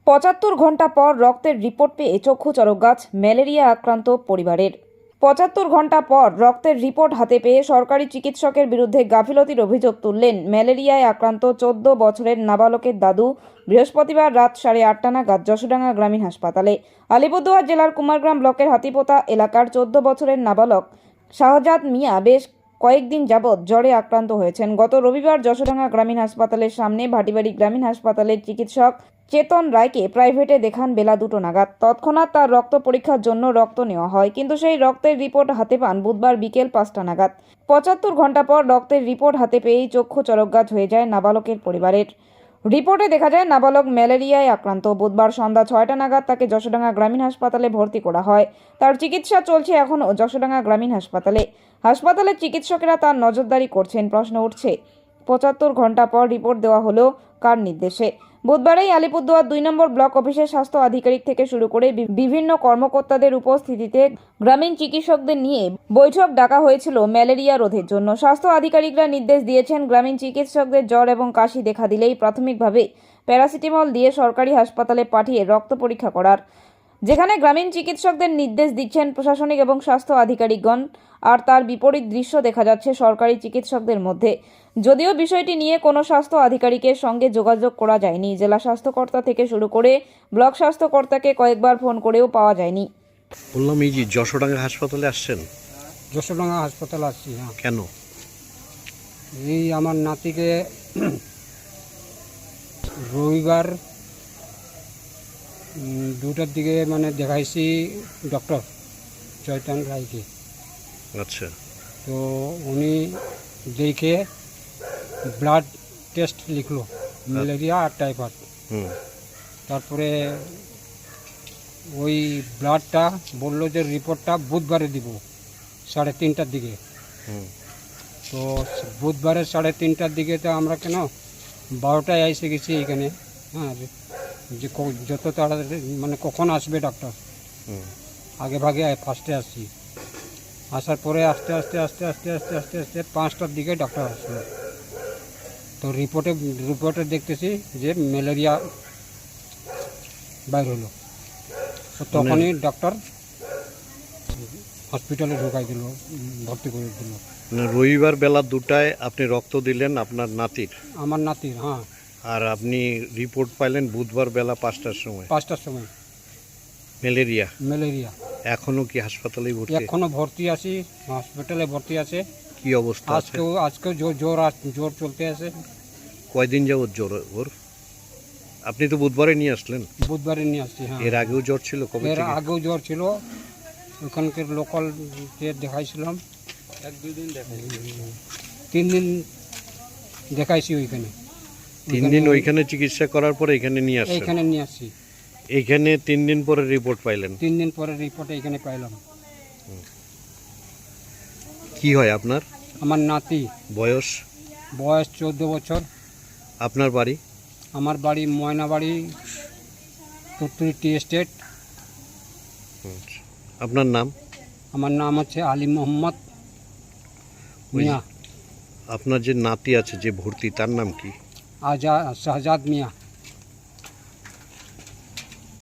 ৭৫ ঘন্টা পর রক্তের রিপোর্ট পেয়ে চক্ষু চরকগাছ, ম্যালেরিয়া আক্রান্ত পরিবারের। ৭৫ ঘন্টা পর রক্তের রিপোর্ট হাতে পেয়ে সরকারি চিকিৎসকের বিরুদ্ধে গাফিলতির অভিযোগ তুললেন ম্যালেরিয়ায় আক্রান্ত ১৪ বছরের নাবালকের দাদু। বৃহস্পতিবার রাত 8:30 নাগাদ যশোডাঙ্গা গ্রামীণ হাসপাতালে। আলিপুরদুয়ার জেলার কুমারগ্রাম ব্লকের হাতিপোতা এলাকার ১৪ বছরের নাবালক শাহজাদ মিয়া বেশ কয়েকদিন যাবৎ জ্বরে আক্রান্ত হয়েছেন। গত রবিবার যশোডাঙ্গা গ্রামীণ হাসপাতালের সামনে ভাটিবাড়ি গ্রামীণ হাসপাতালের চিকিৎসক চেতন রায়কে প্রাইভেটে দেখান বেলা 2টো নাগাদ। তৎক্ষণাৎ তার রক্ত পরীক্ষার জন্য রক্ত নেওয়া হয়, কিন্তু সেই রক্তের রিপোর্ট হাতে পান বুধবার বিকেল 5টা নাগাদ। ৭৫ ঘন্টা পর রক্তের রিপোর্ট হাতে পেয়েই চক্ষু চরকগাছ হয়ে যায় নাবালকের পরিবারের। রিপোর্টে দেখা যায় নাবালক ম্যালেরিয়ায় আক্রান্ত। বুধবার সন্ধ্যা 6টা নাগাদ তাকে যশোডাঙ্গা গ্রামীণ হাসপাতালে ভর্তি করা হয়। তার চিকিৎসা চলছে এখনও যশোডাঙ্গা গ্রামীণ হাসপাতালে। হাসপাতালের চিকিৎসকেরা তার নজরদারি করছেন। প্রশ্ন উঠছে, ৭৫ ঘন্টা পর রিপোর্ট দেওয়া হলো কার নির্দেশে? বুধবারেই আলিপুরদুয়ার 2 নম্বর ব্লক অফিসের স্বাস্থ্য আধিকারিক থেকে শুরু করে বিভিন্ন কর্মকর্তাদের উপস্থিতিতে গ্রামীণ চিকিৎসকদের নিয়ে বৈঠক ডাকা হয়েছিল ম্যালেরিয়া রোধের জন্য। স্বাস্থ্য আধিকারিকরা নির্দেশ দিয়েছেন, গ্রামীণ চিকিৎসকদের জ্বর এবং কাশি দেখা দিলেই প্রাথমিকভাবে প্যারাসিটামল দিয়ে সরকারি হাসপাতালে পাঠিয়ে রক্ত পরীক্ষা করার। যেখানে গ্রামীণ চিকিৎসকদের নির্দেশ দিচ্ছেন প্রশাসনিক এবং স্বাস্থ্য আধিকারিকগণ, আর তার বিপরীত দৃশ্য দেখা যাচ্ছে সরকারি চিকিৎসকদের মধ্যে। যদিও বিষয়টি নিয়ে কোনো স্বাস্থ্য আধিকারিকের সঙ্গে যোগাযোগ করা যায়নি। জেলা স্বাস্থ্যকর্তা থেকে শুরু করে ব্লক স্বাস্থ্যকর্তাকে কয়েকবার ফোন করেও পাওয়া যায়নি। বললাম, এই যে যশোডাঙ্গা হাসপাতালে আসছেন, যশোডাঙ্গা হাসপাতালে আসছি। হ্যাঁ, কেন? এই আমার নাতিকে রবিবার 2টার দিকে দেখাইছি ডক্টর চৈতন রায়কে। আচ্ছা, তো উনি দেখে ব্লাড টেস্ট লিখলো, ম্যালেরিয়া আর টাইফয়েড। তারপরে ওই ব্লাডটা বললো যে রিপোর্টটা বুধবারে দিব 3:30টার দিকে। তো বুধবারে 3:30টার দিকে তো আমরা কেন 12টায় এসে গেছি এখানে। হ্যাঁ, যে যত তাড়াতাড়ি কখন আসবে ডাক্তার, আগে ভাগে ফার্স্টে আসছি। আসার পরে আস্তে আস্তে আস্তে আস্তে আস্তে আস্তে আস্তে 5টার দিকে ডাক্তার আসলো। তো রিপোর্টে দেখতেছি যে ম্যালেরিয়া বাইর হলো। তো তখনই ডাক্তার হসপিটালে ঢুকাই দিল, ভর্তি করে দিল। রবিবার বেলা 2টায় আপনি রক্ত দিলেন আপনার নাতির? আমার নাতির, হ্যাঁ। আর আপনি রিপোর্ট পাইলেন বুধবার বেলা 5টার সময়? 5টার সময়। ম্যালেরিয়া? ম্যালেরিয়া। এখনো কি হাসপাতালে ভর্তি? এখনো ভর্তি আছি, হসপিটালে ভর্তি আছে। কি অবস্থা আছে? আজকেও জ্বর চলতে আছে। কয়দিন যাবত জ্বর ওর? আপনি তো বুধবারে নিয়ে আসলেন? বুধবারে নিয়ে আসছি, হ্যাঁ। এর আগেও জ্বর ছিল? কবে এর থেকে? আগেও জ্বর ছিল, ওখানকার লোকাল দেখাইছিলাম। 3 দিন দেখাইছি ওইখানে। 3 দিন ওইখানে চিকিৎসা করার পরে এখানে নিয়ে আসলেন? এইখানে নিয়ে আসছি। এইখানে 3 দিন পরে রিপোর্ট পাইলেন? 3 দিন পরে রিপোর্ট এইখানে পাইলাম। কি হয় আপনার? আমার নাতি। বয়স? বয়স 14 বছর। আপনার বাড়ি? আমার বাড়ি ময়নাবাড়ি, তুত্তুরি টি এস্টেট। আপনার নাম? আমার নাম হচ্ছে আলী মোহাম্মদ মিয়া। আপনার যে নাতি আছে যে ভর্তি, তার নাম কি? শাহজাদ মিয়া।